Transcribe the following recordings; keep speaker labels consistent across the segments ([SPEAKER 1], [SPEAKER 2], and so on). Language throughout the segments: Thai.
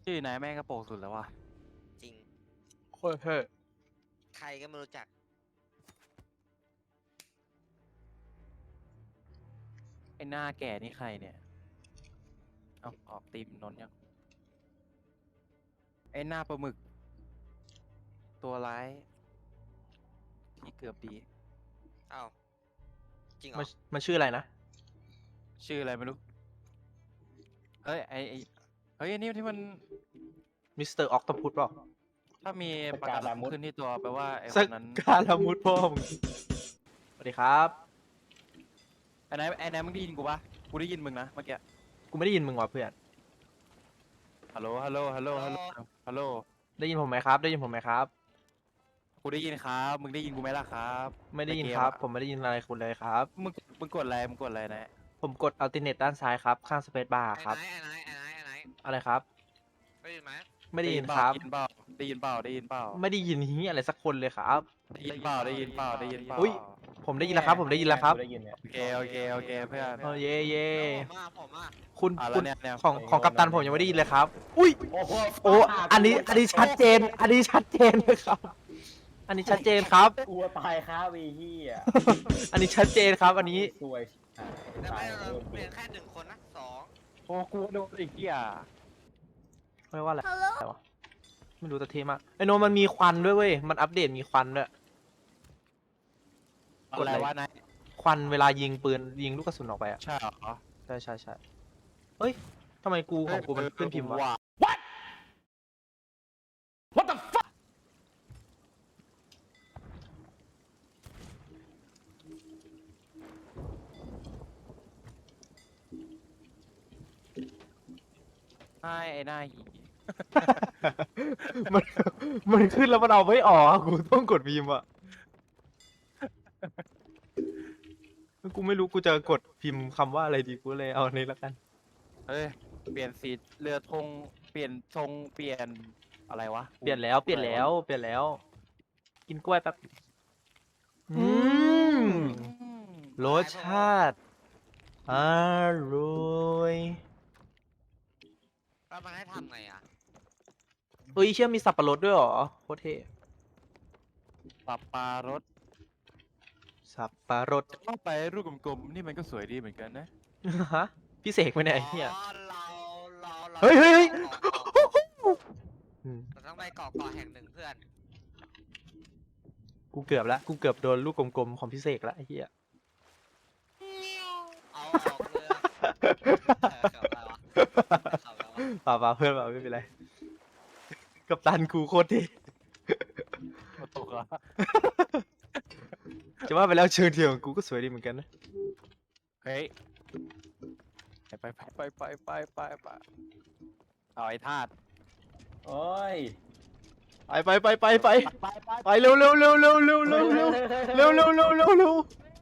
[SPEAKER 1] ชื่อนายแม่งกระโปรงสุดแล้ววะ
[SPEAKER 2] จริง
[SPEAKER 3] โคตรเท่
[SPEAKER 2] ใครก็ไม่รู้จัก
[SPEAKER 1] ไอ้หน้าแก่นี่ใครเนี่ยเอาออกตีมนนท์ยังไอ้หน้าปลาหมึก ตัวร้ายที่เกือบดี
[SPEAKER 2] อ้าวจริงเหรอ
[SPEAKER 3] มันชื่ออะไรนะ
[SPEAKER 1] ชื่ออะไรไม่รู้เฮ้ยเฮ้ยอันนี้ที่มัน
[SPEAKER 3] มิสเตอร์ออกโตพุสเปล่า
[SPEAKER 1] ถ้ามีประกาศขึ้นที่ตัวแปลว่าไอ้ค
[SPEAKER 3] สัก
[SPEAKER 1] นนั้น
[SPEAKER 3] การละมุดพ่อมึงสวัสดีครับ
[SPEAKER 1] ไอ้นายมึงได้ยินกูปะกูได้ยินมึงนะเมื่อกี้
[SPEAKER 3] กูไม่ได้ยินมึงว่ะเพื่อน
[SPEAKER 1] ฮัลโหลฮัลโหลฮัลโหลฮัลโหลฮัลโหล
[SPEAKER 3] ได้ยินผมไหมครับ ได้ยินผมไหมครับ
[SPEAKER 1] กูได้ยินครับมึงได้ยินกูไหมล่ะครับ
[SPEAKER 3] ไม่ได้ยิน
[SPEAKER 1] ในเก
[SPEAKER 3] ครับ
[SPEAKER 1] อะ
[SPEAKER 3] ผมไม่ได้ยินอะไรคุณเลยครับ
[SPEAKER 1] มึงกดอะไรนะ
[SPEAKER 3] ผมกดอัลติเนตด้านซ้ายครับ ข้างสเปซบาร์ครับ
[SPEAKER 2] ไอ้ไหน
[SPEAKER 3] อะไรครับ
[SPEAKER 2] ได้ยินไหม
[SPEAKER 3] ไม่ได้ยินครับ
[SPEAKER 1] ได้ยินเปล่าได้ยินเปล่า
[SPEAKER 3] ไม่ได้ยินฮียอะไรสักคนเลยครับ
[SPEAKER 1] ได้ยินเปล่าได้ยินเปล่าได้ยินเปล่า
[SPEAKER 3] อุ๊ย ผมได้ยินแล้วครับ ผมได้ยินแล้วครับ
[SPEAKER 4] ได้ยินเนี่ย
[SPEAKER 1] โอเคเพื่อน
[SPEAKER 3] เออเย่เย่
[SPEAKER 2] ผมอ่ะ
[SPEAKER 3] คุณ
[SPEAKER 1] อ่ะแล้
[SPEAKER 3] คุ
[SPEAKER 1] ว
[SPEAKER 3] ณ
[SPEAKER 1] เนี่ย
[SPEAKER 3] ของกัปตันผมยังไม่ได้ยินเลยครับ อุ้ย
[SPEAKER 4] โอ้โห
[SPEAKER 3] โอ้ อันนี้ชัดเจน อันนี้ชัดเจนเลยครับ อันนี้ชัดเจนครับ
[SPEAKER 4] กลัวตายครับไอ้เหี้ย
[SPEAKER 3] อันนี้ชัดเจนครับ อันนี้
[SPEAKER 4] สวย
[SPEAKER 2] แต่
[SPEAKER 4] ตา
[SPEAKER 2] ไม่
[SPEAKER 4] ย
[SPEAKER 2] เราเปลี่ยนแค่หนึ่งคนนะสอง
[SPEAKER 1] โอ้กูโดนอีกที่อ่ะ
[SPEAKER 3] ไม่ว่าอะไรวะไม่รู้แต่เท่มากไอโนมันมีควันด้วยเว้ย มันอัปเดตมีควันด้วย กด
[SPEAKER 1] อะไร
[SPEAKER 3] อะไร
[SPEAKER 1] วะนาย
[SPEAKER 3] ควันเวลายิงปืนยิงลูกกระสุนออกไปอ่ะ
[SPEAKER 1] ใช่เหรอ
[SPEAKER 3] ใช่ใช่ใช่เฮ้ยทำไมกูของกูมันขึ้นพิมพ์วะ
[SPEAKER 4] What the fuck
[SPEAKER 1] ใช่ไอ้หน้าหี
[SPEAKER 3] มันมันขึ้นแล้วมันเอาไม่ออกอะกูต้องกดพิมพ์อ่ะกูไม่รู้กูจะกดพิมพ์คำว่าอะไรดีกูเลยเอาอันนี้ละกัน
[SPEAKER 1] เฮ้ยเปลี่ยนสีเรือธงเปลี่ยนธงเปลี่ยนอะไรวะ
[SPEAKER 3] เปลี่ยนแล้วเปลี่ยนแล้วเปลี่ยนแล้ว กินกล้วยแป๊บอืม
[SPEAKER 1] อืม
[SPEAKER 3] รสชาติอร่อย
[SPEAKER 2] แล้วมันให้ทำไงอ่ะ
[SPEAKER 3] เฮ้ยเชื่อมีสับปะรดด้วยเหรอโคตรเท่
[SPEAKER 1] สับปะรด
[SPEAKER 3] สับปะรด
[SPEAKER 1] เข้าไปรูปกลมๆนี่มันก็สวยดีเหมือนกันนะ
[SPEAKER 3] ฮะพี่เสกไปไหนยไอ้เฮีย
[SPEAKER 2] อ๋อเรา
[SPEAKER 3] เฮ้ยเฮ้ยเฮ้ย อืม
[SPEAKER 2] เราต้องไปเกาะแห่งหนึ่งเพื่อน
[SPEAKER 3] กูเกือบแล้วกูเกือบโดนลูกกลมๆของพี่เสกแล้วไอ้เฮีย
[SPEAKER 2] เอาออกเรือเขับอะไรวะขับอะไรวะ
[SPEAKER 3] ป่าวเพื่อนป่าไม่เป็นไรกับตันกูโคตรเท่
[SPEAKER 1] ตกเหรอ
[SPEAKER 3] จะว่าไปแล้วเชิงเทียมของกูก็สวยดีเหมือนกันนะ
[SPEAKER 1] เฮ้ยไปเอาไอ้ธาตุ
[SPEAKER 4] โอ้ย
[SPEAKER 3] ไปเร็วเร็วเร็วเร็วเร็วเร็วเร็วเร็วเร็วเร็วเร็วเร็ว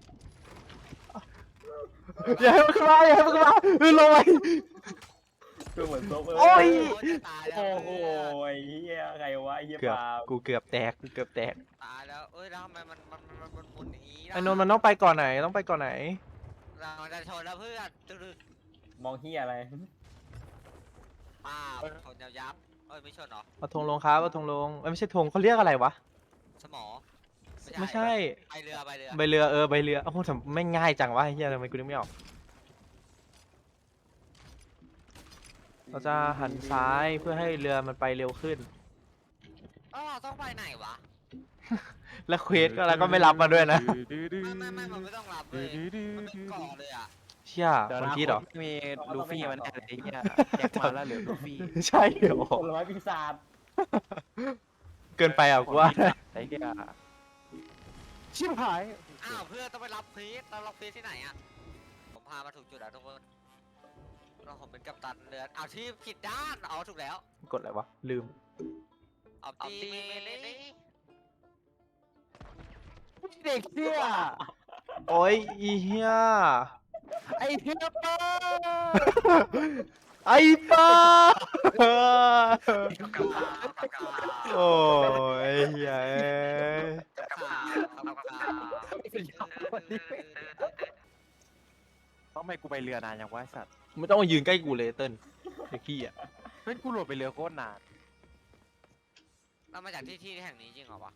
[SPEAKER 3] อย่าให้มันขึ้นมาอย่าให้มันขึ้นมาลงไป
[SPEAKER 4] คือเหมือนซบ
[SPEAKER 3] โอ้ย
[SPEAKER 2] จะตายแล้ว
[SPEAKER 4] โอ้โหไอ้เหี้ยใครวะไอ้เหี้ย
[SPEAKER 3] เกือบ
[SPEAKER 4] ปาล์ม
[SPEAKER 3] กูเกือบแตกกูเกือบแตก
[SPEAKER 2] ตายแล้วเอ้ยแล้วทำไมมันหมุนอย่างนี้ล่ะ
[SPEAKER 3] ไอ้นนท์มันต้องไปก่อนไหนต้องไปก่อนไหน
[SPEAKER 2] เราจะชนแล้วเพื่อนตึก
[SPEAKER 4] มองเหี้ยอะไร
[SPEAKER 2] ป้าชนยับเอ้ยไม่ชนเหรอ
[SPEAKER 3] เอาธงลงครับเอาธงลงเอ้ยไม่ใช่ธงเขาเรียกอะไรวะ
[SPEAKER 2] สมอ
[SPEAKER 3] ไม่ใช่
[SPEAKER 2] ไปเรือ
[SPEAKER 3] ใบเรือใบเรือโอ้โหทำไม่ง่ายจังวะไอ้เฮียทำไมกูนึกไม่ออกเราจะหันซ้ายเพื่อให้เรือมันไปเร็วขึ้น
[SPEAKER 2] อ๋อต้องไปไหนวะ
[SPEAKER 3] แล้วเควสก็แล้วก็ไม่รับมาด้วยนะ
[SPEAKER 2] ไม่มันไม่ต้องรับเลยมันเป็นเกาะเลยอ่ะ
[SPEAKER 3] เชี่ย
[SPEAKER 1] เดี๋ยว
[SPEAKER 3] คน
[SPEAKER 1] นะ
[SPEAKER 3] คิดเหรอ
[SPEAKER 1] มีลูฟี่มันอะไรเงี้ยแจ็คมาแล้วเหลือลูฟี่
[SPEAKER 3] ใช่เหรอ
[SPEAKER 4] ผลไม้ปีศาจ
[SPEAKER 3] เกินไปอ่ะกูว่า
[SPEAKER 1] ไอ้เหี้ยชิบหาย
[SPEAKER 2] อ้าวเพื่อนต้องไปรับพีชเรารับพีชที่ไหนอ่ะผมพามาถูกจุดแล้วทุกคนเราผมเป็นกัปตันเรือเอาที่ผิดด้านเอาถูกแล้ว
[SPEAKER 3] กดอะไรวะลืม
[SPEAKER 2] เอาตีเมนี่
[SPEAKER 1] เด็กเชี่ย
[SPEAKER 3] โอ้ยอีเฮีย
[SPEAKER 1] ไอ้เหี้ยป้า
[SPEAKER 3] ไอ้ป้า
[SPEAKER 2] กับกา
[SPEAKER 3] โอ้ยเฮียเอ้ย
[SPEAKER 1] ทำไมกูไปเรือนานอย่างวะไอ้สัตว์
[SPEAKER 3] ไม่ต้องมายืนใกล้กูเลยเติ้ลไอ้ขี้อ่ะ
[SPEAKER 1] เฮ้ยกูโหลดไปเรือโคตรนาน
[SPEAKER 2] เรามาจากที่แห่งนี้จริงเหรอวะ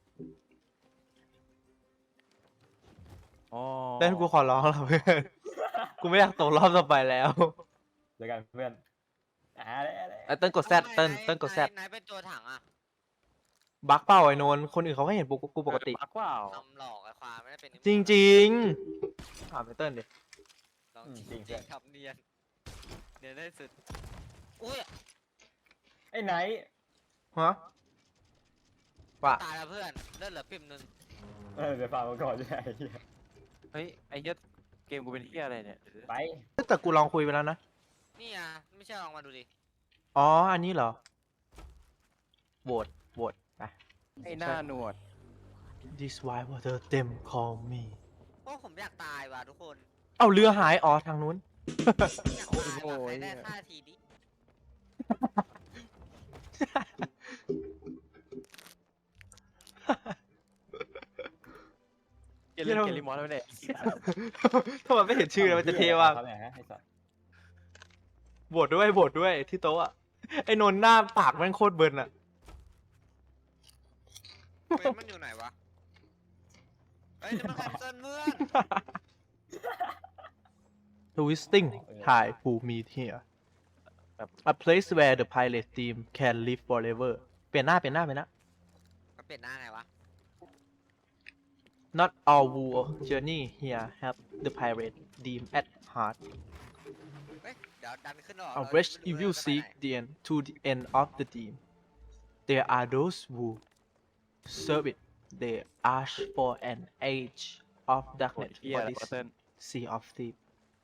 [SPEAKER 1] อ๋อ
[SPEAKER 3] เต้นกูขอร้องแล้วเพื่อนกูไม่อยากตกรอบต่อไปแล้ว
[SPEAKER 4] เจอกันเพื่อนอะไร
[SPEAKER 3] ไอ้เต้นกดแซดเต้นกดแซด
[SPEAKER 2] ไหนเป็นตัวถังอะ
[SPEAKER 3] บักเปล่าไอ้นนท์คนอื่นเขาก็เห็นกูปกติ
[SPEAKER 1] บักเปล่า
[SPEAKER 2] ทำหลอกไอ้ความไม่ได้เป็น
[SPEAKER 3] จริงๆถามไอ้เต้นดิ
[SPEAKER 2] ลองจริงๆครับเนียนได้สุดอุ้ย
[SPEAKER 4] ไอ้ไหน
[SPEAKER 3] ฮะว่า
[SPEAKER 2] ตายแล้วเพื่อนเลือดเหลือปิ่มหนึ่ง
[SPEAKER 4] เดี๋ยวฟังมาก่อนจะไอ้เหี้ย
[SPEAKER 1] เฮ้ยไอ้เหี้ยเกมกูเป็นเหี้ยอะไรเนี่ย
[SPEAKER 4] ไป
[SPEAKER 3] แต่กูลองคุยไปแล้วนะ
[SPEAKER 2] นี่อ่ะไม่ใช่ลองมาดูดิ
[SPEAKER 3] อ๋อ อันนี้เหรอโหวตไป
[SPEAKER 1] ไอ้หน้าหนวด
[SPEAKER 3] This why water them call me
[SPEAKER 2] โอ้ผมอยากตายว่ะทุกคน
[SPEAKER 3] เอาเรือหาย อ๋อ ทางนู้น
[SPEAKER 2] อยากตายว่ะใครได้ท่าทีดิ
[SPEAKER 1] เกมเล่นเกมรีมอสแล้วเนี่ย
[SPEAKER 3] ถ้ามันไม่เห็นชื่อแล้วมันจะเท่ว่าก
[SPEAKER 4] เขาเนี่ยฮะไอ้สัตว์
[SPEAKER 3] โหวตด้วยที่โต๊ะอะไอ้นนท์หน้าปากแม่งโคตรเบิร์นอะ
[SPEAKER 2] เว้นมันอยู่ไหนวะเฮ้ยนี่มันแคนเซิลเพื่อน
[SPEAKER 3] Twisting Thai who meet here a place where the pilot team can live forever เปลี่ยนหน้า
[SPEAKER 2] มันเปลี่ยนหน้าไงวะ
[SPEAKER 3] Not all war journey here have the pirate team at heart
[SPEAKER 2] เฮ้ยเดี๋ยวดันขึ้นหรอ
[SPEAKER 3] A wretch evil seek the end to the end of the team. There are those who serve it. They ask for an age of
[SPEAKER 1] โคต
[SPEAKER 3] darkness
[SPEAKER 1] รเหี้ย
[SPEAKER 3] for
[SPEAKER 1] อะไร
[SPEAKER 3] this
[SPEAKER 1] วะเติ้ล
[SPEAKER 3] sea of thieves.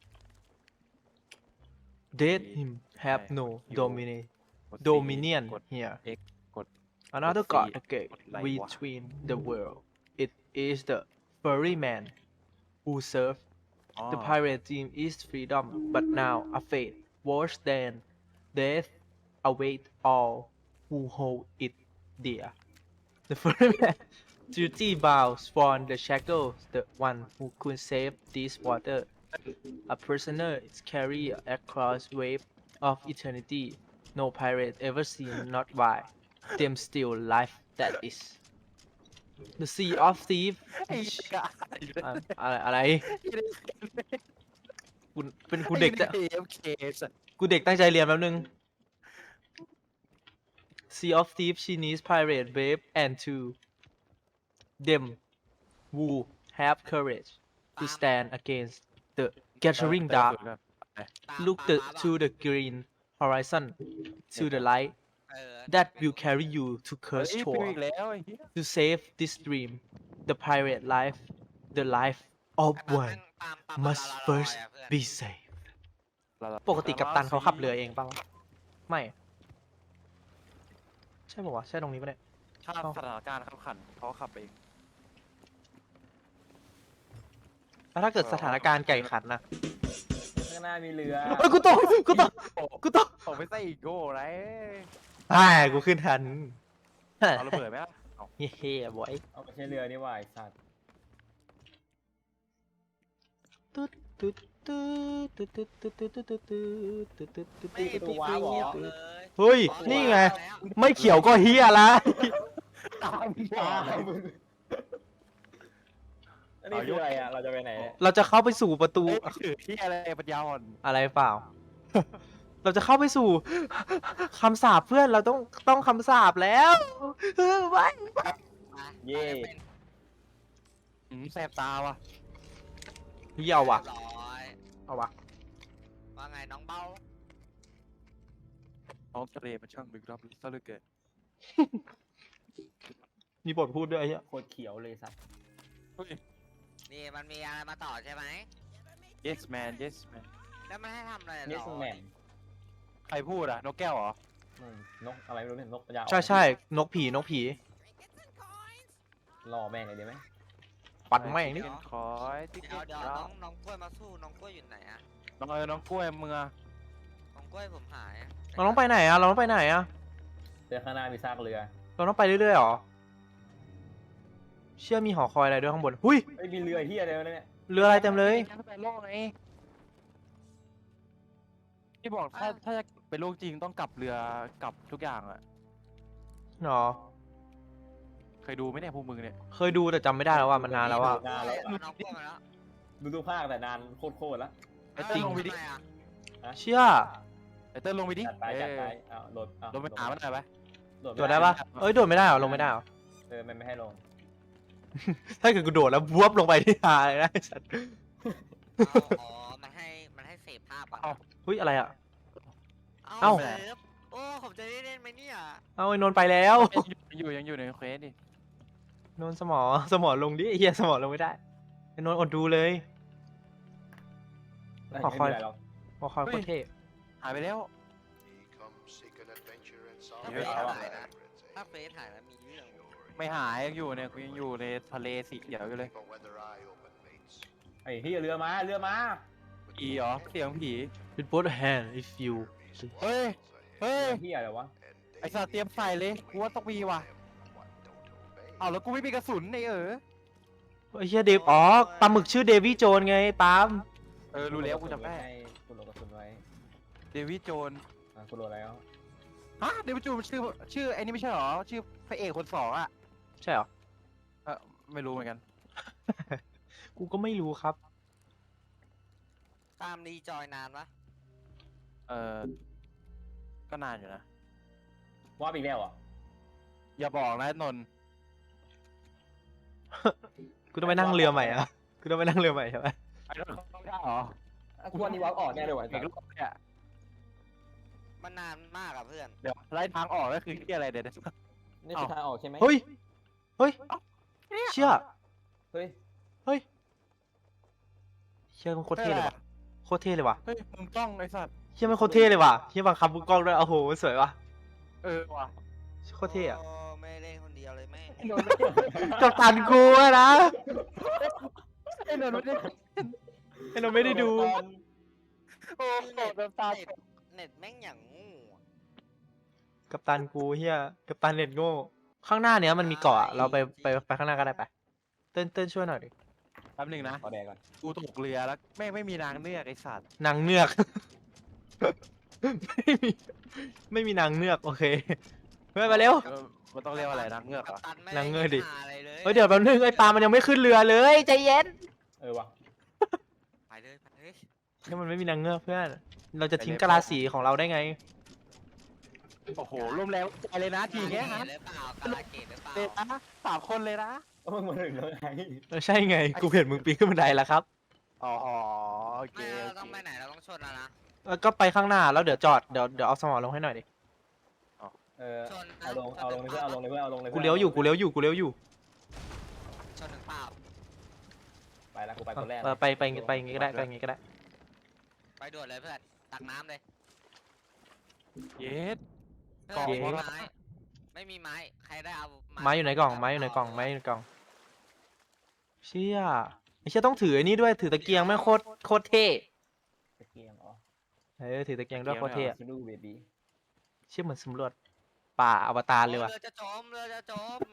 [SPEAKER 3] Dead him have no dominion
[SPEAKER 1] กด
[SPEAKER 3] here.
[SPEAKER 1] X กด
[SPEAKER 3] Another
[SPEAKER 1] กด
[SPEAKER 3] god
[SPEAKER 1] C
[SPEAKER 3] again
[SPEAKER 1] กดไลค์วะ
[SPEAKER 3] between the world. It is the furry man who serve
[SPEAKER 1] อ๋อ
[SPEAKER 3] the pirate team is freedom, but now a fate worse than death await all who hold it dear. The first man, duty bows from the shackles, the one who could save this water. A prisoner is carried across wave of eternity. No pirate ever seen, not why. Them still life that is. The sea of thieves.
[SPEAKER 1] ไอ้กะ
[SPEAKER 3] อะไรกูเด็กจะ
[SPEAKER 1] เอฟเคสัส
[SPEAKER 3] กูเด็กตั้งใจเรียนแป๊บนึง Sea of Thieves Chinese Pirate Brave and two them who have courage to stand against the gathering dark look to the green horizon to the light
[SPEAKER 2] เออ
[SPEAKER 3] that will carry you to
[SPEAKER 1] เฮ้ย
[SPEAKER 3] Curse
[SPEAKER 1] ฟิว
[SPEAKER 3] Shore
[SPEAKER 1] อีกแล้วไอ้เหี้ย
[SPEAKER 3] to save this dream the pirate life the life of
[SPEAKER 2] ไอ้
[SPEAKER 3] one
[SPEAKER 2] ปาม
[SPEAKER 3] must
[SPEAKER 2] ลาลาลา
[SPEAKER 3] first
[SPEAKER 2] อะเพื่อน
[SPEAKER 3] be safe ปกติกัปตันเขาขับเรือเองป่าวะไม่ ใช่ป่าวะใช่ตรงนี้ปะเนี่ย
[SPEAKER 1] ถ้าสถานการณ์ขับขันเขาขับเอง
[SPEAKER 3] แล้วถ้าเกิดสถานการณ์ไก่ขันนะ
[SPEAKER 4] ข้างหน้ามีเรือ
[SPEAKER 3] เอ้ยกูตกกูตก
[SPEAKER 1] ผมไม่ใส่อีโก้ไร
[SPEAKER 3] กูขึ้นทัน
[SPEAKER 1] เอาระเบิดไหมล่ะเอา
[SPEAKER 3] เฮ้บอย
[SPEAKER 4] เอาไปใช้เรือนี่ว่าไอ้สัตว์
[SPEAKER 3] ตุ๊ดตุ๊ดตุ๊ดตุ๊ดตุ๊ดตุ๊ดตุ๊ดตุ๊ดตุ๊ดตุ๊ดตุ๊ดตุ๊ด
[SPEAKER 2] ไม่
[SPEAKER 3] ตุ๊ด
[SPEAKER 2] มี
[SPEAKER 3] ตุ๊ด
[SPEAKER 2] ว้าวเลย
[SPEAKER 3] เฮ้ย นี่ไง ไม่เขียวก็เฮียละ
[SPEAKER 1] ตาม
[SPEAKER 4] ตายมึงอันนี้คืออะไรอ่ะ เราจะไปไหนเนี่ย
[SPEAKER 3] เราจะเข้าไปสู่ประตู
[SPEAKER 1] ถือที่อะไรปัญญาอ่อน
[SPEAKER 3] อะไรเปล่า เราจะเข้าไปสู่คำสาปเพื่อนเราต้องคำสาปแล้วไว้
[SPEAKER 4] เย่
[SPEAKER 1] แสบตาว่ะ
[SPEAKER 3] เหี้ยเอาวะ
[SPEAKER 2] เรียบร้อย
[SPEAKER 3] เอาวะ
[SPEAKER 2] ว่าไงน้องเบ้า
[SPEAKER 1] น้องทะเลมันช่างลึกลับซะเหลือเกิน
[SPEAKER 3] มีบทพูดด้วยไอ้เหี้ย
[SPEAKER 4] โคตรเขียวเลยสัตว์
[SPEAKER 2] นี่มันมีอะไรมาต่อใช่ไหม
[SPEAKER 1] yes man yes man
[SPEAKER 2] แล้วมันให้ทำอะไร
[SPEAKER 4] เน
[SPEAKER 2] ต่
[SPEAKER 4] ส
[SPEAKER 2] อ
[SPEAKER 4] แมน
[SPEAKER 1] ใครพูดอ่ะนกแก้วเหรอ
[SPEAKER 4] นกอะไรไม่รู้เนี่ยนกปัญญาอ่อน
[SPEAKER 3] ใช่นกผี
[SPEAKER 4] ล่อแม่งเลยดีไหม
[SPEAKER 3] ปัดแม่งนี่
[SPEAKER 1] คอยติ๊ก
[SPEAKER 2] เดี๋ยว
[SPEAKER 1] ติ๊ก
[SPEAKER 2] น้องกล้วยมาสู้น้องกล้วยอยู่ไหนอะ
[SPEAKER 1] น้องกล้วยมึงอะ
[SPEAKER 2] น้องกล้วยผมหายอะ
[SPEAKER 3] เราต้องไปไหนอะเราต้องไปไหนอะ
[SPEAKER 4] เรือข้างหน้ามีซากเรือ
[SPEAKER 3] เราต้องไปเรื่อยๆหรอ เชื่อมีหอคอยอะไรด้วยข้างบน หุย
[SPEAKER 4] เอ้ยมีเรือเฮียอะไรวะเนี่ย
[SPEAKER 3] เรืออะไรเต็มเลย
[SPEAKER 1] ไปโลกไงที่บอกถ้าจะเป็นโรคจริงต้องกลับเรือกลับทุกอย่างอะ
[SPEAKER 3] เนาะ
[SPEAKER 1] เคยดูไหมเนี่ยพวกมึงเนี่ย
[SPEAKER 3] เคยดูแต่จำไม่ได้แล้วว่ามันนานแล้วอ่ะ
[SPEAKER 4] นานแล้ว
[SPEAKER 2] น้องพวกมาแล้ว
[SPEAKER 4] ดูภาคแต่นานโคตรแล้ว
[SPEAKER 1] ไอเติ้ลลงไปดิ
[SPEAKER 2] ทำมอะ
[SPEAKER 3] เชื่อ
[SPEAKER 1] ไอเติ้ลลงไปดิ
[SPEAKER 4] จัดไปจัดไปเอาโหลดเอา
[SPEAKER 1] ลงไปหามันหน่อยไป
[SPEAKER 3] โดดได้ปะเอ้ยโดดไม่ได้เหรอลงไม่ได้เหรอ
[SPEAKER 4] มันไม่ให้ลง
[SPEAKER 3] ถ้าเกิดกูโดดแล้วบวบลงไปที่หาเลยนะไอ้สัตว์
[SPEAKER 2] อ๋อมันให้เสพภาพอ่ะ
[SPEAKER 1] เอา
[SPEAKER 3] เฮ้ยอะไรอ่ะ
[SPEAKER 2] เอ้า
[SPEAKER 3] เอ้า
[SPEAKER 2] เสพโอ้ผมจะได้เล่นไหมเนี่ย
[SPEAKER 3] เอาไอ้นนท์ไปแล้ว
[SPEAKER 1] ยังอยู่ในเควสดิ
[SPEAKER 3] นนท์สมอลงดิไอ้เฮียสมอลงไม่ได้ไอ้นนท์อดดูเลย ขอคอย
[SPEAKER 4] ไม่มีะไรหรอก
[SPEAKER 3] พอคอยโคตรเท่
[SPEAKER 1] หายไปแล้ว
[SPEAKER 2] ถ้า
[SPEAKER 1] เดี๋
[SPEAKER 2] เฟ
[SPEAKER 1] ยว
[SPEAKER 2] ซ
[SPEAKER 1] เอา
[SPEAKER 2] หายนะถ้าเฟซหายแล้วมีเรื่อง
[SPEAKER 1] ไม่หายยังอยู่เนี่ยกูยังอยู่ในทะเลสีเขียวอยู่เลย
[SPEAKER 4] ไอ้ที่เรือมา
[SPEAKER 1] ผีเหรอเสียงผี
[SPEAKER 3] With both hand if you
[SPEAKER 1] เฮ้ยเฮ้ย
[SPEAKER 4] ที่อะไรวะ
[SPEAKER 1] ไอสัตว์เตรียมใส่เลยกูว่าต้องมีว่ะเอาแล้วกูไม่มีกระสุนไอ
[SPEAKER 3] ไอ้เฮียเดฟอ๋อปลาหมึกชื่อเดวี่โจนไงปาล์ม
[SPEAKER 1] รู้แล้วกูจำได้
[SPEAKER 4] กูโหลดกระสุนไว้
[SPEAKER 1] เดวิดโจน
[SPEAKER 4] กูโหลดแล้ว
[SPEAKER 1] ฮะเดวิดโจนชื่อไอ้นี่ไม่ใช่หรอชื่อพระเอกคนสองอะ
[SPEAKER 3] ใช่เหรอ
[SPEAKER 1] ไม่รู้เหมือนกัน
[SPEAKER 3] กูก็ไม่รู้ครับ
[SPEAKER 2] ตามรีจอยนานปะ
[SPEAKER 1] ก็นานอยู่นะ
[SPEAKER 4] ว่าอีกแล้วอ่ะ
[SPEAKER 1] อย่าบอกนะนนท์
[SPEAKER 3] กูต้องไปนั่งเรือใหม่อะกูต้องไปนั่งเรือใหม่ใช่ไหม
[SPEAKER 1] ไอ้นนท์เขาไม่ได้หรอ
[SPEAKER 4] กูว่านี่วับออกแน่เลยว่ะ
[SPEAKER 1] เอกรอบเนี่ย
[SPEAKER 2] มันนานมากอะเพื่อน
[SPEAKER 1] เดี๋ยวไล่ทางออกก็คือที่อะไรเดี๋ยว
[SPEAKER 4] นี่คือทางออกใช่ไหม
[SPEAKER 3] เฮ้ยเชื่อ
[SPEAKER 4] เฮ้ย
[SPEAKER 3] เฮ้ยเชื่อมันโคตรเท่เลยว่ะโคตรเท่เลยว่ะ
[SPEAKER 1] เฮ้ยมึงต้องไอ้สัตว์
[SPEAKER 3] เชื่อมันโคตรเท่เลยว่ะเชื่อบังคับมือกล้องด้วยโอ้โหสวยว่ะ
[SPEAKER 1] ว่ะ
[SPEAKER 3] โคตรเท่อะ
[SPEAKER 2] โอ้ไม่เล่นคนเดียวเลยแม่
[SPEAKER 4] ไอ้นนท์ไม่เกี่ยว
[SPEAKER 3] กับตันกูอะนะ
[SPEAKER 1] ไอ้นนท์ไม่ได้
[SPEAKER 3] ไอ้เราไม่ได้ดู
[SPEAKER 1] โอ้โหน้ำตา
[SPEAKER 2] เน็ตแม่งอย่างงู
[SPEAKER 3] กับตันกูเฮียกับตันเน็ตโง่ข้างหน้าเนี้ยมันมีเกาะอะเราไปข้างหน้าก็ได้ไปเต้นช่วยหน่อยดิ
[SPEAKER 1] แป๊บนึงนะ
[SPEAKER 4] ขอแดงก่อน
[SPEAKER 1] กูตกเรือแล้วไม่มีนางเนือกไอ้สัตว์
[SPEAKER 3] นางเงือก ไม่มีนางเงือกโอเคเฮ้ยมาเร็ว
[SPEAKER 1] มันต้องเรียกว่าอะไรนางเงือกเหรอ
[SPEAKER 2] กัปตันไม่
[SPEAKER 3] นางเงือกดิ
[SPEAKER 2] หาอะไรเลย
[SPEAKER 3] เฮ้ยเดี๋ยวแป๊บนึงไอ้ปลามันยังไม่ขึ้นเรือเลยใจเย็น
[SPEAKER 4] ว่ะ
[SPEAKER 2] ไปเลย
[SPEAKER 3] นี่มันไม่มีนางเงือกเพื่อนเราจะทิ้งกะลาสีของเราได้ไง
[SPEAKER 1] โอ้โหร่มแรงใจเลยนะทีเนี้ยฮะ
[SPEAKER 2] หรือเปล่ากาลาเกตหรือเปล่า
[SPEAKER 1] เลยนะ3 คนเลยนะ
[SPEAKER 4] ก็มึงมาถึงแล้วไง
[SPEAKER 3] ใช่ไงกูเห็นมึงปีนขึ้นบันไดแล้วครับ
[SPEAKER 1] อ๋อโอเค
[SPEAKER 2] ไม่เราต้องไปไหนเราต้องชนแล้วนะ
[SPEAKER 3] ก็ไปข้างหน้าแล้วเดี๋ยวจอดเดี๋ยวเอาสมอลงให้หน่อยดิ
[SPEAKER 2] ชน
[SPEAKER 4] เอาลงเลยเพื่อนเอาลงเลยเพื่อนเอาลงเลย
[SPEAKER 3] กูเลี้ยวอยู่
[SPEAKER 2] ชนหนึ่งเปล่า
[SPEAKER 4] ไปแล้วกูไปคนแรก
[SPEAKER 3] ไปอย่างงี้ก็ได้ไปอย่างงี้ก็ได้
[SPEAKER 2] ไปด่วนเลยเพื่อนตักน้ำเลย
[SPEAKER 1] เย็ด
[SPEAKER 2] เพื่อน
[SPEAKER 1] กล่อง
[SPEAKER 2] ไม่มี
[SPEAKER 1] วะ
[SPEAKER 2] ไม้ไม่มีไม้ใครได้เอา
[SPEAKER 3] ไม้อยู่ในกล่องไม้อยู่ในกล่องเชี่ยไอ้เชี่ยต้องถือไอ้นี่ด้วยถือตะเกียงแม่งโคตรเท่
[SPEAKER 4] ตะเกียงอ๋อ
[SPEAKER 3] ถือตะเกียงด้วยโคตรเท่อะ
[SPEAKER 4] ซูดูเบบี้
[SPEAKER 3] เชี่ยเหมือนสำรวจป่าอวตารเลยว่ะ
[SPEAKER 2] เรือจะจมเรือจะจม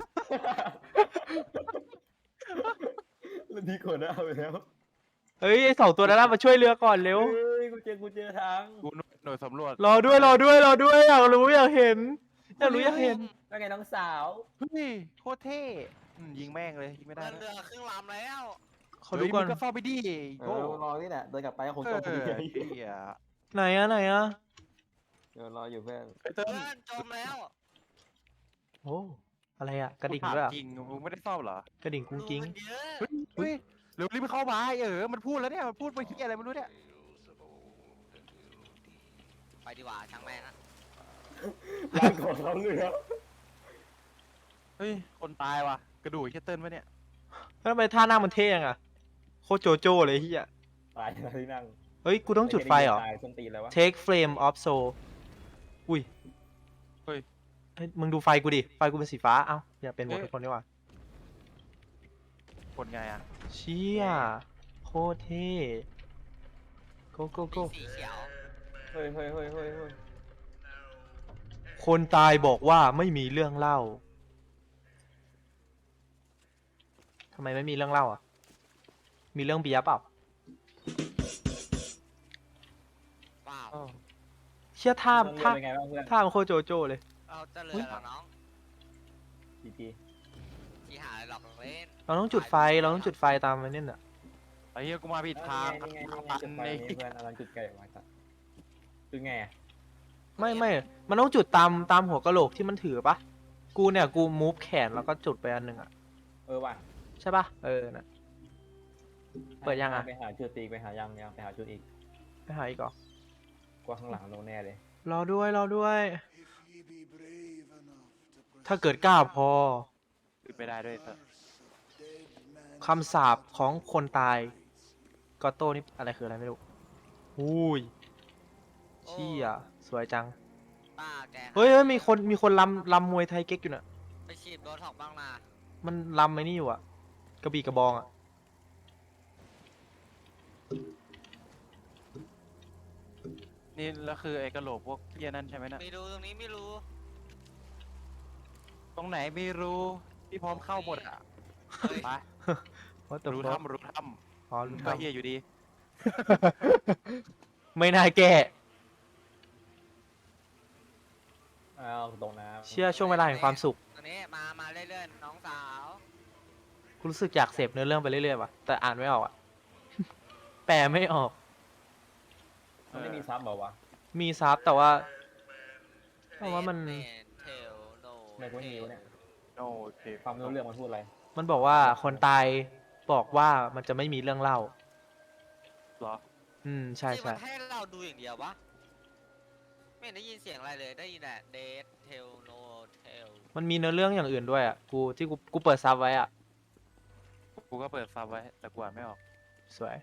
[SPEAKER 4] แล้วดีกว่านะเอาไปแล้ว
[SPEAKER 3] เฮ้ยไอ้2 ตัวนั้นมาช่วยเรือก่อนเร็ว
[SPEAKER 4] เฮ้ยกูเจอทาง
[SPEAKER 1] กูหน่วยสำรวจ
[SPEAKER 3] รอด้วยอยากรู้อยากเห็น
[SPEAKER 4] แล้วไงน้องสาว
[SPEAKER 1] เฮ้ยโคตรเท่ยิงแม่งเลยยิงไม่ได้
[SPEAKER 2] เรือครึ่งลำแล้ว
[SPEAKER 3] ขอดูก่อน
[SPEAKER 1] มึงก็เฝ้าไปดิ
[SPEAKER 4] เอ
[SPEAKER 1] โก้
[SPEAKER 4] อรอนี่แหละเดินกลับไปก็คง
[SPEAKER 1] เอ
[SPEAKER 4] จ
[SPEAKER 1] อ
[SPEAKER 4] มพอดี
[SPEAKER 1] เหี้ย
[SPEAKER 3] ไหนอะ
[SPEAKER 4] เดี๋ยวรออยู่เพื่อน
[SPEAKER 1] ไอ้เติ้ล
[SPEAKER 2] เพื่อนจมแล้ว
[SPEAKER 3] โอ้อะไรอะกระดิ่ง
[SPEAKER 1] กูถาม
[SPEAKER 3] ด้วยอะ
[SPEAKER 1] จริงมึงไม่ได้เฝ้าเหรอก
[SPEAKER 3] ระดิ่งกุ้งกิ้ง
[SPEAKER 2] มันเยอะ
[SPEAKER 1] เฮ้ยเร็วรีบเข้ามามันพูดแล้วเนี่ยมันพูดไปที่อะไรไม่รู้เนี่ย
[SPEAKER 2] ไปดีกว่าช่างแม่งอะ
[SPEAKER 4] ร้านของเขาเรือ
[SPEAKER 1] เฮ้ยคนตายว่ะกระดูกไอ้เติ้ลวะเนี่ย
[SPEAKER 3] แล้วทำไมท่านั่งมันเท่ยังอะโคตรโจโจ้เลยเฮีย
[SPEAKER 4] ตายที่นั่ง
[SPEAKER 3] เฮ้ยกูต้องจุดไฟเหรอ
[SPEAKER 4] ตายส้นตีนแล้ววะ
[SPEAKER 3] Take flame of soul อุ้ย
[SPEAKER 1] เฮ้ย
[SPEAKER 3] เฮ้ยมึงดูไฟกูดิไฟกูเป็นสีฟ้าเอ้าอย่าเป็นหมดทุกคนดีกว่า
[SPEAKER 1] คนไงอ่ะ
[SPEAKER 3] เชี่ยโคตรเท่ go go
[SPEAKER 2] มี
[SPEAKER 3] go
[SPEAKER 2] สีเขียว
[SPEAKER 4] เฮ้ย
[SPEAKER 3] คนตายบอกว่าไม่มีเรื่องเล่าทำไมไม่มีเรื่องเล่าอ่ะ มีเรื่องเบียร์เปล่า
[SPEAKER 2] ว้าว
[SPEAKER 1] อ้าว
[SPEAKER 3] เชี่ยท่า
[SPEAKER 4] เรือ
[SPEAKER 3] ท่า
[SPEAKER 4] เป็นไงบ้างเพื่อน
[SPEAKER 3] ท่ามันโคตรโจโจ้เลย
[SPEAKER 2] เราจะเรือเหรอน้อง
[SPEAKER 4] จีจี
[SPEAKER 2] ที่หาอะไรหลอกเล่น
[SPEAKER 3] เราต้องจุดไฟเราต้องจุดไฟตามมันนี่น่ะ
[SPEAKER 1] ไอ้เหี้ยกูมาผิดทาง
[SPEAKER 4] นี่ไง
[SPEAKER 1] ตัน
[SPEAKER 4] จุดไฟ
[SPEAKER 1] ใน
[SPEAKER 4] นี่เพื่อนเอาจุดไก่ออกมาสัตว์จุดไงอะ
[SPEAKER 3] ไม่มันต้องจุดตามหัวกะโหลกที่มันถือปะกูเนี่ยกูมูฟแขนแล้วก็จุดไปอันหนึ่งอ่ะ
[SPEAKER 4] ว่ะ
[SPEAKER 3] ใช่ปะน่ะ เปิดยังอะ
[SPEAKER 4] ไปหาจุดตีไปหายังไปหาจุดอีก
[SPEAKER 3] ไปหาอีกเหรอก
[SPEAKER 4] ว่าข้างหลังโดนแน่เลย
[SPEAKER 3] รอด้วย ถ้าเกิดกล้าพอ
[SPEAKER 1] ขึ้นไม่ได้ด้วยเถอะ
[SPEAKER 3] คำสาปของคนตายกอตโต้นี่อะไรคืออะไรไม่รู้อุ้ยเชี่ยสวยจัง
[SPEAKER 2] ป้าแก
[SPEAKER 3] เฮ้ยมีคนลำมวยไทยเก๊กอยู่น่ะ
[SPEAKER 2] ไปฉีดโบท็อกซ์บ้างนะ
[SPEAKER 3] มันลำไอ้นี่อยู่อ่ะ กระบี่กระบองอ่ะ
[SPEAKER 1] นี่แล้วคือไอ้กระโหลกพวกเหี้ยนั่นใช่ไหมนะ
[SPEAKER 2] ไม่รู้ตรงนี้ไม่รู้
[SPEAKER 1] ตรงไหนไม่รู้พี่พร้อมเข้าหมดอ่ะ
[SPEAKER 2] เฮ้ย
[SPEAKER 1] ไป
[SPEAKER 3] What the
[SPEAKER 1] รู้
[SPEAKER 3] fuck
[SPEAKER 1] ถ้ำรู้ถ้
[SPEAKER 3] อ๋อ
[SPEAKER 1] ำ
[SPEAKER 3] รู้
[SPEAKER 1] ก็
[SPEAKER 3] ทำ
[SPEAKER 1] เหี้ยอยู่ดี
[SPEAKER 3] ไม่น่าแก้
[SPEAKER 4] อ้าวตรงน้ำ
[SPEAKER 3] เชื่อช่วงเวลาแห่งความสุข
[SPEAKER 2] ตรงนี้มาเรื่อยๆน้องสาว
[SPEAKER 3] กูรู้สึกอยากเสพเนื้อเรื่องไปเรื่อยๆว่ะ แต่อ่านไม่ออกอ่ะ แปลไม่ออก
[SPEAKER 4] มันไม่มีซับเหรอวะ
[SPEAKER 3] มีซับแต่ว่ามัน
[SPEAKER 2] เทลโน
[SPEAKER 4] ทำไมกูไม่มีวะเนี่ย
[SPEAKER 1] โอเค
[SPEAKER 4] ความรู้เรื่องมันพูดอะไร
[SPEAKER 3] มันบอกว่าคนตายบอกว่ามันจะไม่มีเรื่องเล่า
[SPEAKER 1] เหรอ
[SPEAKER 3] ใช่
[SPEAKER 2] ที่
[SPEAKER 3] ใช่
[SPEAKER 2] มันให้เราดูอย่างเดียววะไม่เห็นได้ยินเสียงอะไรเลยได้ยินแต่เดทเทลโนเทล
[SPEAKER 3] มันมีเนื้อเรื่องอย่างอื่นด้วยอ่ะ กูเปิดซับไว้อ่ะ
[SPEAKER 1] กูก็เปิดซับไว้แต่กูอ่านไม่ออก
[SPEAKER 3] สวย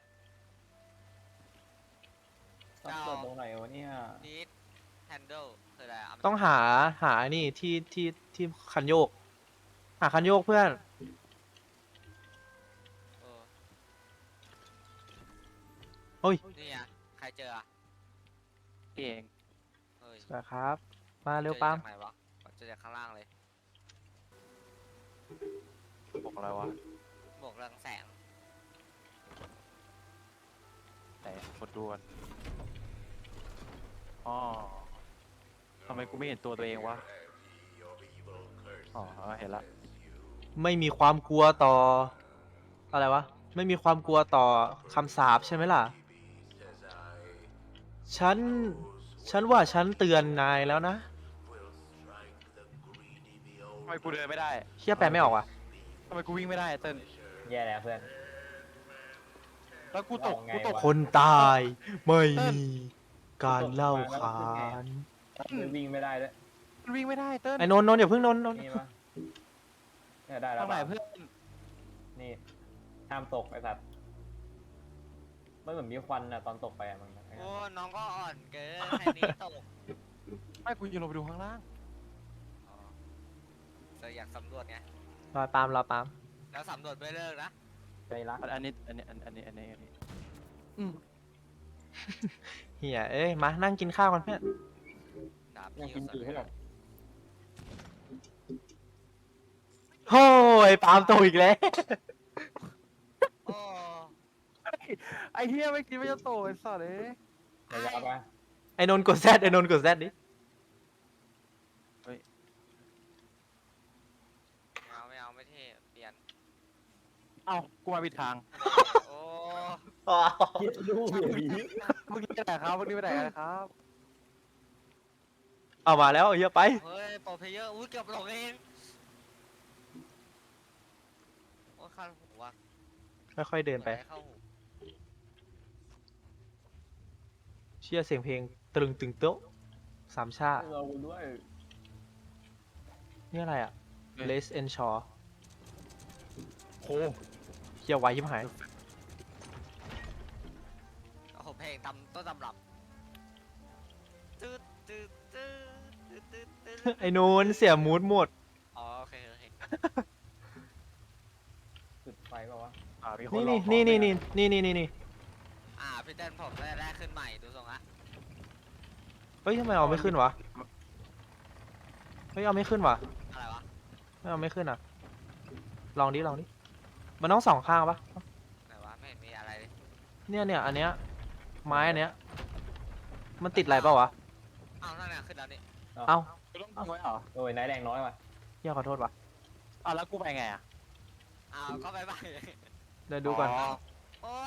[SPEAKER 4] ซับเปิดตรงไหนวะเนี่ย
[SPEAKER 2] นิดแฮนเดิลคืออะไระ
[SPEAKER 3] ต้องหานี่ที่คันโยก หาคันโยกเพื่อน
[SPEAKER 2] เออ
[SPEAKER 3] โอ้ย
[SPEAKER 2] นี่อ่ะใครเจออ่ะ
[SPEAKER 1] พี่เอง
[SPEAKER 2] เฮ้ย
[SPEAKER 3] สวยครับ มาเร็ว
[SPEAKER 2] จอ
[SPEAKER 3] ปั๊ม
[SPEAKER 2] จากไหนวะเจอจากข้างล่างเลย
[SPEAKER 1] บอกอะไรวะ
[SPEAKER 2] บวกเรืองแสง
[SPEAKER 1] แต่กดดูก่อนอ๋อทำไมกูไม่เห็นตัวเองวะอ๋อเห็นละ
[SPEAKER 3] ไม่มีความกลัวต่อ อะไรวะ ไม่มีความกลัวต่อคำสาปใช่ไหมล่ะ ฉันว่าฉันเตือนนายแล้วนะ
[SPEAKER 1] ทำไมกูเดินไม่ได้
[SPEAKER 3] เชี่ยแปลไม่ออกว่ะ
[SPEAKER 1] ทำไมกูวิ่งไม่ได้เติ้ล
[SPEAKER 4] แย่แล้วเพื่อน
[SPEAKER 1] แล้วกูตก
[SPEAKER 4] เอาไง
[SPEAKER 1] กูตก
[SPEAKER 4] วะ
[SPEAKER 3] คนตายไม่มีการเล่าขาน
[SPEAKER 4] มันวิ่งไม่ได้ด้วย
[SPEAKER 1] มันวิ่งไม่ได้เติ้ล
[SPEAKER 3] ไอ้นนท์อย่าเพิ่งนนท์
[SPEAKER 4] นี่ปะเนี่ยได้แล้ว
[SPEAKER 1] ทางไหน
[SPEAKER 4] ปะ
[SPEAKER 1] เพื่อน
[SPEAKER 4] นี่ห้ามตกไอ้สัตว์มันเหมือนมีควันอะตอนตกไปอะมัน
[SPEAKER 2] โอ้น้องก็อ่อนเกินแค่นี้ตก
[SPEAKER 1] ไม่กูจะลงไปดูข้างล่าง
[SPEAKER 2] อ๋อเราอยากสำรวจไง
[SPEAKER 3] รอปาล์ม
[SPEAKER 2] แล้วสำรวจไม่เลิกนะ
[SPEAKER 4] ใจรัก
[SPEAKER 1] อันนี้อืม
[SPEAKER 3] เฮียเอ้ย มานั่งกินข้าวกันเพื่อน
[SPEAKER 2] ดาบ
[SPEAKER 4] ยัง
[SPEAKER 2] พี่
[SPEAKER 4] กิน
[SPEAKER 2] ก็
[SPEAKER 4] จี
[SPEAKER 2] ส
[SPEAKER 4] ให้
[SPEAKER 2] วย
[SPEAKER 4] แบบ
[SPEAKER 3] โอ้ยปาล์มโตอีกแล้ว
[SPEAKER 2] โอ้
[SPEAKER 1] ไอ้เฮียไม่คิดว่าจะโตไอ้สัตว์เลย
[SPEAKER 4] ระยะปะ
[SPEAKER 3] ไอ้นนท์กดแซดไอ้นนท์กดแซดดิ
[SPEAKER 2] ไม่เอาไม่เท่เปลี่ยน
[SPEAKER 1] เอ้ากูมาผิดทาง
[SPEAKER 2] โอ้
[SPEAKER 4] คิดดูอย่างนี้
[SPEAKER 1] เมื่อกี้ไปไหนครับเมื่อกี้ไปไหนกันครับ
[SPEAKER 3] เอามาแล้วเฮียไป
[SPEAKER 2] เฮ้ยโปรเพลเยอร์อุ้ยเกือบหลงเองโอ้ยคันหูว่ะ
[SPEAKER 3] ค่อยๆเดินไป
[SPEAKER 2] เข้าหู
[SPEAKER 3] เชื่อเสียงเพลงตรึงตึงโต๊ะสามชาติ
[SPEAKER 4] เราด้วย
[SPEAKER 3] นี่อะไรอ่ะ
[SPEAKER 1] เฮ้ย
[SPEAKER 3] Les and Shaw
[SPEAKER 1] โห
[SPEAKER 3] เฮียไวชิบหาย
[SPEAKER 2] โอ้โหเพลงต้นตำรับตืดตืดตืดตืดตืดตืด
[SPEAKER 3] ไอ้นนท์เสียมูดหมด
[SPEAKER 2] อ๋อโอเคโอเค
[SPEAKER 4] จุดไฟเปล่าวะ
[SPEAKER 1] มีคน
[SPEAKER 3] นี่
[SPEAKER 1] หลอก
[SPEAKER 3] นี่
[SPEAKER 1] ของ
[SPEAKER 3] นี่
[SPEAKER 1] ด้วย
[SPEAKER 3] นี่
[SPEAKER 1] นะ
[SPEAKER 3] นี่นี่
[SPEAKER 2] พี่เต้นผมได้แรกขึ้นใหม่ดูทรงละ
[SPEAKER 3] เฮ้ยทำไมเอาไม่ขึ้นวะ เฮ้ยเอาไม่ขึ้นวะ
[SPEAKER 2] อะไรวะ
[SPEAKER 3] ไม่เอาไม่ขึ้นอ่ะ ลองดิมันต้องสองข้างปะ
[SPEAKER 2] ไหนวะไม่เห็นมีอะไรเลย
[SPEAKER 3] เนี่ยอันเนี้ยไม้อันเนี้ย มันติดอะไรเปล่าวะเอ้า
[SPEAKER 1] กูต้องทำไว้เหรอ
[SPEAKER 4] โอ้ยนายแรงน้อยว่ะ
[SPEAKER 3] เฮียขอโทษว่ะ
[SPEAKER 1] อ้าวแล้วกูไปไงอ่ะ
[SPEAKER 2] อ้าวก็ไป
[SPEAKER 3] เดี๋ยวดูก่อน
[SPEAKER 2] โอ้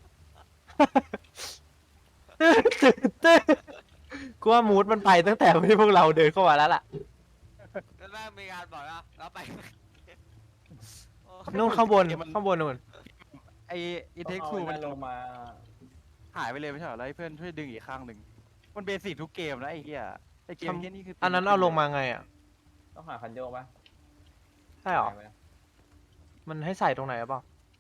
[SPEAKER 3] กูว่ามูดมันไปตั้งแต่ที่พวกเราเดินเข้ามาแล้วล่ะ
[SPEAKER 2] แล้วแม่งมีการบอกว่าเราไปโอ้
[SPEAKER 3] นู่นข้างบนข้างบนนู่น
[SPEAKER 1] ไอ้เทค
[SPEAKER 4] ต้อง
[SPEAKER 1] ทู
[SPEAKER 4] เอา
[SPEAKER 1] มัน
[SPEAKER 4] นายลงมา
[SPEAKER 1] หายไปเลยไม่ใช่เหรอแล้วให้เพื่อนช่วยดึงอีกข้างหนึ่งมันเบสิกทุกเกมนะไอ้เหี้ยไอ้เกมแค่นี้คือ
[SPEAKER 3] อันนั้นเอาลงมาไงอ่ะ
[SPEAKER 4] ต้องหาคันโยกปะ
[SPEAKER 3] ใช่หรอ
[SPEAKER 4] ไหม
[SPEAKER 3] มันให้ใส่ตรงไหนหรือเปล่า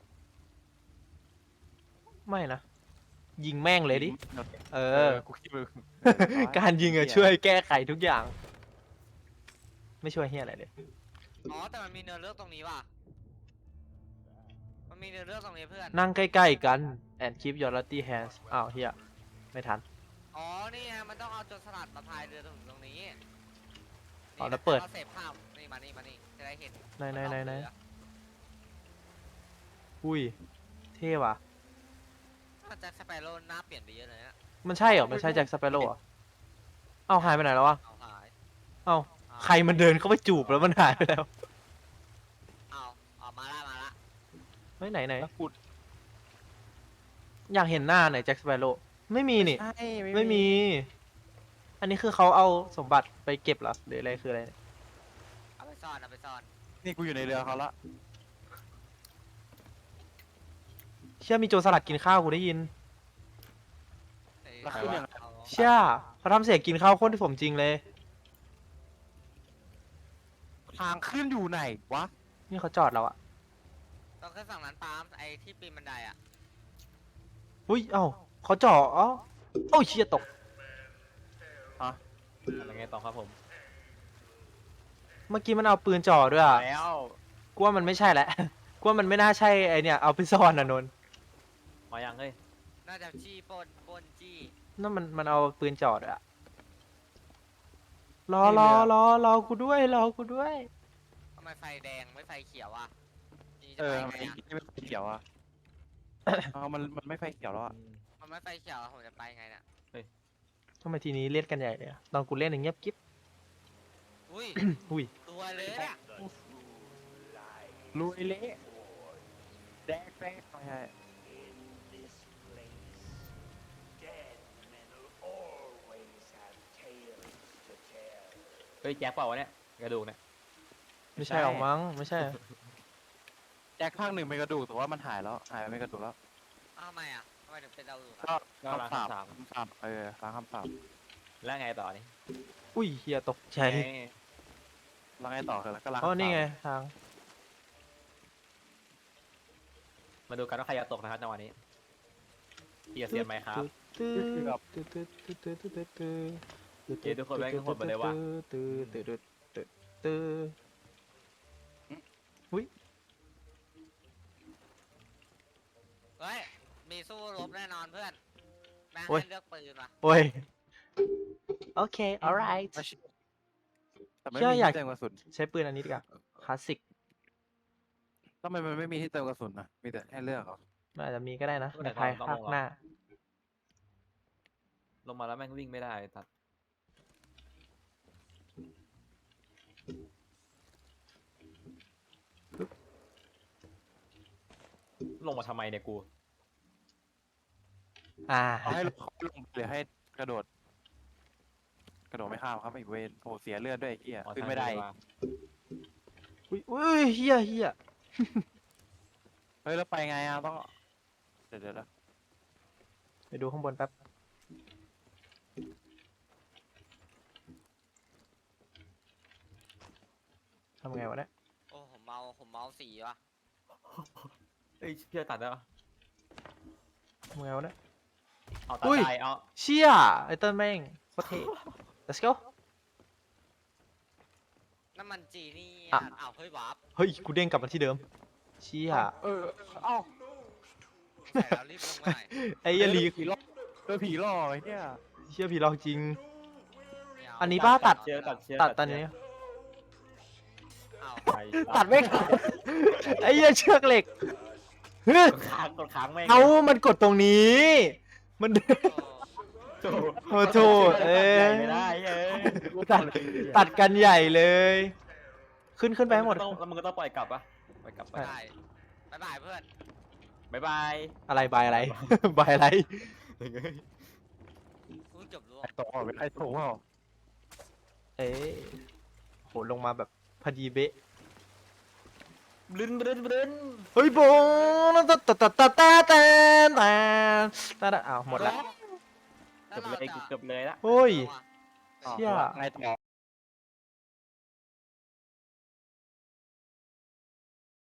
[SPEAKER 3] ไม่นะ ยิงแม่งเลยดิ เออ
[SPEAKER 1] กูคิดว่า
[SPEAKER 3] การยิงอะช่วยแก้ไขทุกอย่าง ไม่ช่วยเฮียอะไรเลย
[SPEAKER 2] อ๋อแต่มันมีเนื้อเรื่องตรงนี้ว่ะมันมีเนื้อเรื่องตรงนี้เพื่อน
[SPEAKER 3] นั่งใกล้ๆกัน and keep your dirty hands อ้าวเฮียไม่ทัน
[SPEAKER 2] อ๋อนี่ไงมันต้องเอาโจรสลัดมาพายเรือตรงนี้
[SPEAKER 3] อ๋อแล้วเปิด
[SPEAKER 2] อาเสพภาพนี่มานี่จะได้เห็น
[SPEAKER 3] ไหน
[SPEAKER 2] มันต้องเรือ
[SPEAKER 3] อุ้ย เท่ว่ะ
[SPEAKER 2] มันแจ็คสเปโร่หน้าเปลี่ยนไปเยอะเลยนะ
[SPEAKER 3] มันใช่เหรอ มันใช่แจ็คสเปโร่เหรอเอ้าหายไปไหนแล้ววะ
[SPEAKER 2] เอาหาย
[SPEAKER 3] เอ้าใครมันเดินเข้าไปจูบแล้วมันหายไปแล้ว
[SPEAKER 2] เอาออกมาละ
[SPEAKER 3] เฮ้ยไหน
[SPEAKER 1] แล้วกู
[SPEAKER 3] อยากเห็นหน้าไหนแจ็คสเปโร่ไม่มีนี่
[SPEAKER 1] ใช่
[SPEAKER 3] ไม่มี อันนี้คือเขาเอาสมบัติไปเก็บเหรอ หรืออะไรคืออะไรเนี่ย
[SPEAKER 2] เอาไปซ่อน
[SPEAKER 1] นี่กูอยู่ในเรือเขาละ
[SPEAKER 3] เชื่อมีโจรสลัดกินข้าวกูได้ยิน
[SPEAKER 1] แล้วขึ้นยังไง
[SPEAKER 2] เอา
[SPEAKER 3] เชื่อเขาทำเสียงกินข้าวโคตรที่สมจริงเลย
[SPEAKER 1] ทางขึ้นอยู่ไหนวะ
[SPEAKER 3] นี่เขาจอดแล้วอะ
[SPEAKER 2] ต้องขึ้นฝั่งนั้นปาล์มไอ้ที่ปีนบันไดอ่ะ
[SPEAKER 3] อุ้ย เอ้าเขาจอดเอ้าโอ้ยเชี่ยตก
[SPEAKER 4] อะไรไงต่อครับผม
[SPEAKER 3] เมื่อกี้มันเอาปืนจ่อด้วยอะ
[SPEAKER 1] แล้ว
[SPEAKER 3] กูว่ามันไม่ใช่แหละ กูว่ามันไม่น่าใช่ไอเนี่ยเอาไปซ่อนนะนนท์
[SPEAKER 4] มายังเฮ้ย
[SPEAKER 2] น่าจะจี้ปล้นจี้
[SPEAKER 3] นั่นมันเอาปืนจ่อด้วยอะรอกูด้วยรอกูด้วย
[SPEAKER 2] ทำไมไฟแดงไม่ไฟเขียวอ่ะนี่จะ
[SPEAKER 1] เออ
[SPEAKER 2] ไป
[SPEAKER 1] ทำ
[SPEAKER 2] ไง
[SPEAKER 1] ไม
[SPEAKER 2] อ่ะ
[SPEAKER 1] ไม่ไฟเขียวอ่ะ เอามันไม่ไฟเขียวแล้วอ่ะ
[SPEAKER 2] มันไม่ไฟเขียวผมจะไปไงเนี่ย
[SPEAKER 3] ทำไมทีนี้เล่นกันใหญ่เลยอะตอนกูเล่นอย่างเงียบกิ๊บ
[SPEAKER 2] อุ้ย
[SPEAKER 3] อุ้ย
[SPEAKER 2] ตัวเลยเนี่ย
[SPEAKER 1] ลุยเละแดกแป๊กไม่ใช่
[SPEAKER 4] เฮ้ยแจ็คเปล่าวะเนี่ยกระดูกเนี่ย
[SPEAKER 3] ไม่ใช่หรอกมั้งไม่ใช่
[SPEAKER 1] แจ็คภาคหนึ่งเป็นกระดูกแต่ว่ามันหายแล้วหายไปเป็นกระดูกแล้ว
[SPEAKER 2] อ้าวทำไมอ่ะทำไมถึงเป็นเราอยู่
[SPEAKER 1] ก็
[SPEAKER 4] ก็ล้าง
[SPEAKER 1] คำสาป
[SPEAKER 4] คำสาป
[SPEAKER 1] คำสาปล้างคำสาป
[SPEAKER 4] แล้วไงต่อนี่
[SPEAKER 3] อุ้ยเฮียตกใจ
[SPEAKER 1] แล้วไงต่อคือแล้วก็ล้าง
[SPEAKER 3] อ๋อ
[SPEAKER 1] คำสาป
[SPEAKER 3] นี่ไงทาง
[SPEAKER 4] มาดูกันว่าใครจะตกนะครับจังหวะนี้เกียร์เซียนไหมครับ
[SPEAKER 2] เฮ้ยมีสู้รบแน่นอนเพื่อนแม่ง
[SPEAKER 3] โอ้ย
[SPEAKER 2] ให้เลือกปืนว่ะ
[SPEAKER 3] โอ้ย โอเค alright
[SPEAKER 1] แต่ไม่
[SPEAKER 3] เชื่อ
[SPEAKER 1] มี
[SPEAKER 3] อยาก
[SPEAKER 1] ที่เติมกระสุน
[SPEAKER 3] ใช้ปืนอันนี้ดีกว่าคลาสสิก
[SPEAKER 1] ทำไมมันไม่มีที่เติมกระสุนนะมีแต่ให้เลือกเหรอ
[SPEAKER 3] มันอาจจะมีก็ได้นะในภายภาคหน้า
[SPEAKER 4] ลงมาแล้วแม่งวิ่งไม่ได้ตัดลงมาทำไมเนี่ยกู
[SPEAKER 1] เอาให้ลงหรือให้กระโดด กระโดดไม่ข้ามครับไอ้เวนโอ้เสียเลือดด้วยไอ้เหี้ย
[SPEAKER 4] อ๋อ
[SPEAKER 1] ขึ้นไม่ได้
[SPEAKER 4] ทางเดินมา
[SPEAKER 3] อุ้ยเฮีย
[SPEAKER 1] เฮ้ยแล้วไปไงอ่ะต้องเดี๋ยว
[SPEAKER 3] ไปดูข้างบนแป๊บทำไงวะเนี่ย
[SPEAKER 2] โอ้ผมเมาสีว่ะ
[SPEAKER 4] เฮ้ยเพื่อตัดได้ปะ
[SPEAKER 3] ทำไงวะเนี่ย
[SPEAKER 4] เอาตัด
[SPEAKER 3] อุ้ย
[SPEAKER 4] ใจเอา
[SPEAKER 3] เชี่ยไอเติ้ลแม่งโคตรเท่ let's go
[SPEAKER 2] น้ำมันจีนี่
[SPEAKER 3] อ่ะ
[SPEAKER 2] อ้าวเฮ้ยวาร์ป
[SPEAKER 3] เฮ้ย กูเด้งกลับมาที่เดิม เชี่ย
[SPEAKER 1] เอ้า
[SPEAKER 2] ใส่แล้วรีบลงมาหน่อย
[SPEAKER 3] ไอ้เหี้ยลี
[SPEAKER 1] ผีหลอกผีหลอกไอ้เนี่ย
[SPEAKER 3] เชี่ยผีหลอกจริง
[SPEAKER 2] ไม่เา
[SPEAKER 3] อันนี้ป้าตัด
[SPEAKER 4] เชือกตัดเชือก
[SPEAKER 3] ตัดตอนนี้
[SPEAKER 2] อ้าว
[SPEAKER 4] ไป
[SPEAKER 3] ตัดไม่ขาดไอ้เหี้ยเชือกเหล็กเฮ้ย
[SPEAKER 4] กดค้างแม่ง
[SPEAKER 3] เอามันกดตรงนี้ มัน
[SPEAKER 2] โอ้
[SPEAKER 3] โอ้โถเอ้ย
[SPEAKER 4] ไม่ได้เอ้ย
[SPEAKER 3] ตัดกันใหญ่เลย ขึ้นไปให้หมด
[SPEAKER 4] แล้วมึงก็ต้องปล่อยกลับปะปล่อยกลับไป
[SPEAKER 2] ได้บ๊ายบายเพื่อน
[SPEAKER 4] บ๊ายบาย
[SPEAKER 3] อะไรบายอะไร บายอะไร
[SPEAKER 2] อุ้ยเกือบล่วง
[SPEAKER 1] ไอ้ตรงไอ้ตรงเปล่า
[SPEAKER 3] เอ้ยโหลงมาแบบพอดีเบ๊ะ
[SPEAKER 4] บลึนบลึนบลึน
[SPEAKER 3] เฮ้ยโบงตะตะตะตะตะตะตะตะอ้าวหมดละ
[SPEAKER 2] แล้วเราจะ
[SPEAKER 4] เกือบเลยละ
[SPEAKER 3] เฮ้ย
[SPEAKER 2] เอาอะ
[SPEAKER 3] เชี่ย
[SPEAKER 1] ไอ้ต่อ